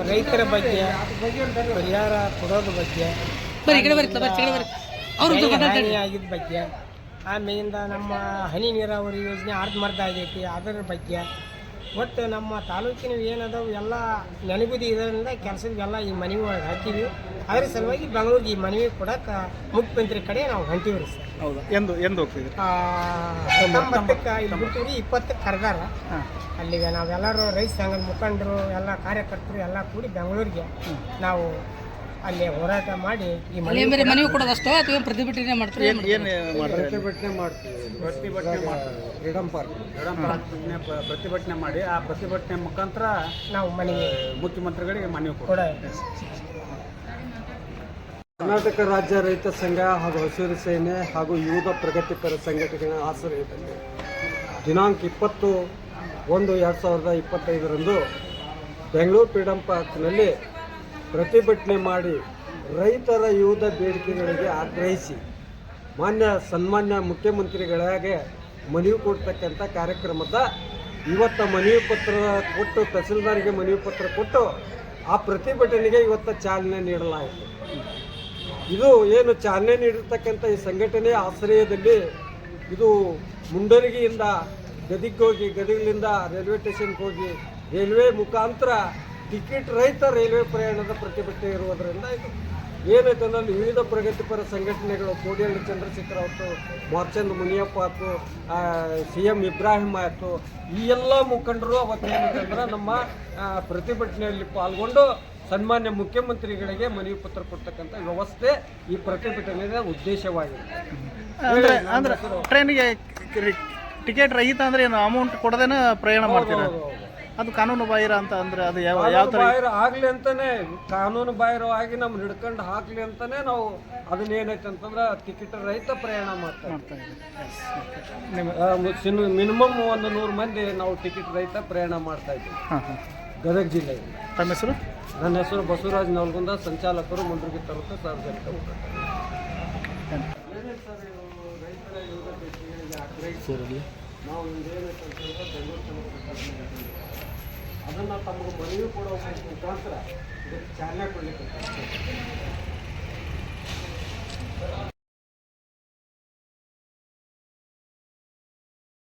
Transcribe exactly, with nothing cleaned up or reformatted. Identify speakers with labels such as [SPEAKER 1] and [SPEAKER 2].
[SPEAKER 1] ರೈತರ ಬಗ್ಗೆ ಪರಿಹಾರ ಕೊಡೋದ್ರ ಬಗ್ಗೆ ಆಗಿದ್ದ ಬಗ್ಗೆ ಆಮೇಲಿಂದ ನಮ್ಮ ಹನಿ ನೀರಾವರಿ ಯೋಜನೆ ಅರ್ಧಮರ್ಧ ಆಗೈತಿ ಅದರ ಬಗ್ಗೆ ಒಟ್ಟು ನಮ್ಮ ತಾಲೂಕಿನ ಏನದಾವು ಎಲ್ಲ ನೆನಗುದಿ ಇದರಿಂದ ಕೆಲಸದೆಲ್ಲ ಈ ಮನವಿ ಒಳಗೆ ಹಾಕಿವಿ. ಅದ್ರ ಸಲುವಾಗಿ ಬೆಂಗಳೂರಿಗೆ ಈ ಮನವಿ ಕೊಡಕ್ಕೆ ಮುಖ್ಯಮಂತ್ರಿ ಕಡೆ ನಾವು ಹೊಂಟಿವಿ ರೀ ಸರ್.
[SPEAKER 2] ಹೌದಾ? ಎಂದು ಎಂದು ಹೋಗ್ತಿದ್ರಿ?
[SPEAKER 1] ಹತ್ತೊಂಬತ್ತಕ್ಕೆ ಇಲ್ಲಿ ಬಿಟ್ಟಿವ್ರಿ, ಇಪ್ಪತ್ತಕ್ಕೆ ಕರೆದಾರ. ಅಲ್ಲಿಗೆ ನಾವೆಲ್ಲರೂ ರೈತ ಸಂಘದ ಮುಖಂಡರು ಎಲ್ಲ ಕಾರ್ಯಕರ್ತರು ಎಲ್ಲ ಕೂಡಿ ಬೆಂಗಳೂರಿಗೆ ನಾವು ಅಲ್ಲಿ ಹೋರಾಟ ಮಾಡಿ ಈ
[SPEAKER 3] ಮನವಿ ಕೊಡೋದಷ್ಟೋ ಅಥವಾ ಪ್ರತಿಭಟನೆ ಮಾಡ್ತೀವಿ?
[SPEAKER 1] ಪ್ರತಿಭಟನೆ ಮಾಡ್ತೀವಿ ಪ್ರತಿಭಟನೆ ಮಾಡ್ತೀವಿ ಫ್ರೀಡಮ್ ಪಾರ್ಕ್ ಫ್ರೀಡಮ್ ಪಾರ್ಕ್ ಪ್ರತಿಭಟನೆ ಮಾಡಿ ಆ ಪ್ರತಿಭಟನೆ ಮುಖಾಂತರ ನಾವು ಮನವಿ ಮುಖ್ಯಮಂತ್ರಿಗಳಿಗೆ ಮನವಿ ಕೊಡ. ಕರ್ನಾಟಕ ರಾಜ್ಯ ರೈತ ಸಂಘ ಹಾಗೂ ಹಸಿರು ಸೇನೆ ಹಾಗೂ ಯುವ ಪ್ರಗತಿಪರ ಸಂಘಟನೆಗಳ ಆಶ್ರಯದಲ್ಲಿ ದಿನಾಂಕ ಇಪ್ಪತ್ತು ಒಂದು ಎರಡು ಸಾವಿರದ ಇಪ್ಪತ್ತೈದರಂದು ಬೆಂಗಳೂರು ಫ್ರೀಡಮ್ ಪಾರ್ಕ್ನಲ್ಲಿ ಪ್ರತಿಭಟನೆ ಮಾಡಿ ರೈತರ ವಿವಿಧ ಬೇಡಿಕೆಗಳಿಗೆ ಆಗ್ರಹಿಸಿ ಮಾನ್ಯ ಸನ್ಮಾನ್ಯ ಮುಖ್ಯಮಂತ್ರಿಗಳಿಗೆ ಮನವಿ ಕೊಡ್ತಕ್ಕಂಥ ಕಾರ್ಯಕ್ರಮದ ಇವತ್ತು ಮನವಿ ಪತ್ರ ಕೊಟ್ಟು ತಹಸೀಲ್ದಾರ್ಗೆ ಮನವಿ ಪತ್ರ ಕೊಟ್ಟು ಆ ಪ್ರತಿಭಟನೆಗೆ ಇವತ್ತು ಚಾಲನೆ ನೀಡಲಾಯಿತು. ಇದು ಏನು ಚಾಲನೆ ನೀಡಿರ್ತಕ್ಕಂಥ ಈ ಸಂಘಟನೆ ಆಶ್ರಯದಲ್ಲಿ ಇದು ಮುಂಡರಗಿಯಿಂದ ಗದಿಗೆ ಹೋಗಿ ಗದಗಲಿಂದ ರೈಲ್ವೆ ಸ್ಟೇಷನ್ಗೆ ಹೋಗಿ ರೈಲ್ವೆ ಮುಖಾಂತರ ಟಿಕೆಟ್ ರಹಿತ ರೈಲ್ವೆ ಪ್ರಯಾಣದ ಪ್ರತಿಭಟನೆ ಇರುವುದರಿಂದ ಇದು ಏನೈತೆ ಅಂದ್ರೆ ವಿವಿಧ ಪ್ರಗತಿಪರ ಸಂಘಟನೆಗಳು ಕೋಡಿಹಳ್ಳಿ ಚಂದ್ರಶೇಖರ್ ಆಯಿತು, ಮಾರ್ಚಂದ್ ಮುನಿಯಪ್ಪ ಆಯ್ತು, ಸಿ ಎಂ ಇಬ್ರಾಹಿಂ ಆಯಿತು, ಈ ಎಲ್ಲ ಮುಖಂಡರು ಅವತ್ತೇನಂತಂದ್ರೆ ನಮ್ಮ ಪ್ರತಿಭಟನೆಯಲ್ಲಿ ಪಾಲ್ಗೊಂಡು ಸನ್ಮಾನ್ಯ ಮುಖ್ಯಮಂತ್ರಿಗಳಿಗೆ ಮನವಿ ಪತ್ರ ಕೊಡ್ತಕ್ಕಂಥ ವ್ಯವಸ್ಥೆ ಈ ಪ್ರತಿಭಟನೆಯ ಉದ್ದೇಶವಾಗಿದೆ.
[SPEAKER 2] ಅಂದ್ರೆ ಟ್ರೈನಿಗೆ ಟಿಕೆಟ್ ರಹಿತ ಅಂದ್ರೆ ಏನು ಅಮೌಂಟ್ ಕೊಡದೇನ ಪ್ರಯಾಣ ಮಾಡ್ತಾರೆ? ಅದು ಕಾನೂನು ಬಾಹಿರ ಅಂತ ಅಂದ್ರೆ ಅದು ಯಾವ ಯಾವ ಥರ
[SPEAKER 1] ಬಾಹಿರ ಆಗಲಿ ಅಂತಾನೆ, ಕಾನೂನು ಬಾಹಿರವಾಗಿ ನಮ್ಗೆ ಹಿಡ್ಕೊಂಡು ಹಾಕ್ಲಿ ಅಂತಾನೆ ನಾವು ಅದನ್ನೇನೈತೆ ಅಂತಂದ್ರೆ ಟಿಕೆಟ್ ರಹಿತ ಪ್ರಯಾಣ ಮಾಡ್ತಾ ಇದ್ದೀವಿ. ಮಿನಿಮಮ್ ಒಂದು ನೂರು ಮಂದಿ ನಾವು ಟಿಕೆಟ್ ರಹಿತ ಪ್ರಯಾಣ ಮಾಡ್ತಾ ಇದ್ದೀವಿ ಗದಗ ಜಿಲ್ಲೆಯಲ್ಲಿ.
[SPEAKER 2] ತಮ್ಮ ಹೆಸರು?
[SPEAKER 1] ನನ್ನ ಹೆಸರು ಬಸವರಾಜ್ ನವಲ್ಗುಂದ, ಸಂಚಾಲಕರು ಮುಂಡ್ರಿಗಿ ತಾಲೂಕು ಸಾರ್ವಜನಿಕ ಹೋರಾಟ. ನಾವು ಅದನ್ನು ತಮಗೆ ಮನವಿ ಕೊಡೋ ಮುಖಾಂತರ ಇದಕ್ಕೆ ಚಾಲನೆ ಕೊಡಲಿಕ್ಕೆ